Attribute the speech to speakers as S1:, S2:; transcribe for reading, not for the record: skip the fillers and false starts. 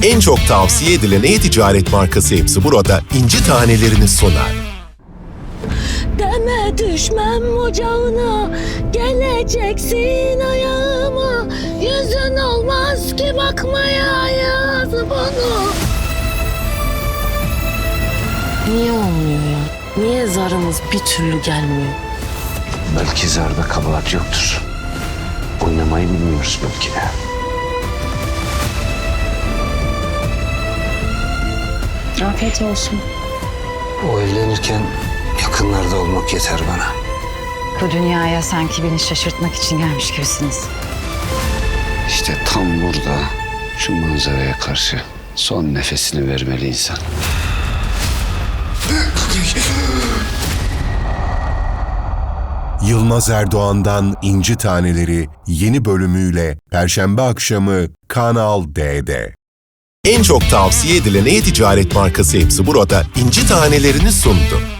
S1: En çok tavsiye edilen e-ticaret markası hepsi burada inci tanelerini sunar.
S2: Deme düşmem ocağına, geleceksin ayağıma. Yüzün olmaz ki bakmaya yaz bana. Niye olmuyor ya? Niye zarımız bir türlü gelmiyor?
S3: Belki zarda kabahat yoktur. Oynamayı bilmiyoruz belki de.
S2: Afiyet olsun.
S3: O evlenirken yakınlarda olmak yeter bana.
S4: Bu dünyaya sanki beni şaşırtmak için gelmiş gibisiniz.
S3: İşte tam burada şu manzaraya karşı son nefesini vermeli insan.
S1: Yılmaz Erdoğan'dan İnci Taneleri yeni bölümüyle Perşembe akşamı Kanal D'de. En çok tavsiye edilen e-ticaret markası hepsi burada inci tanelerini sundu.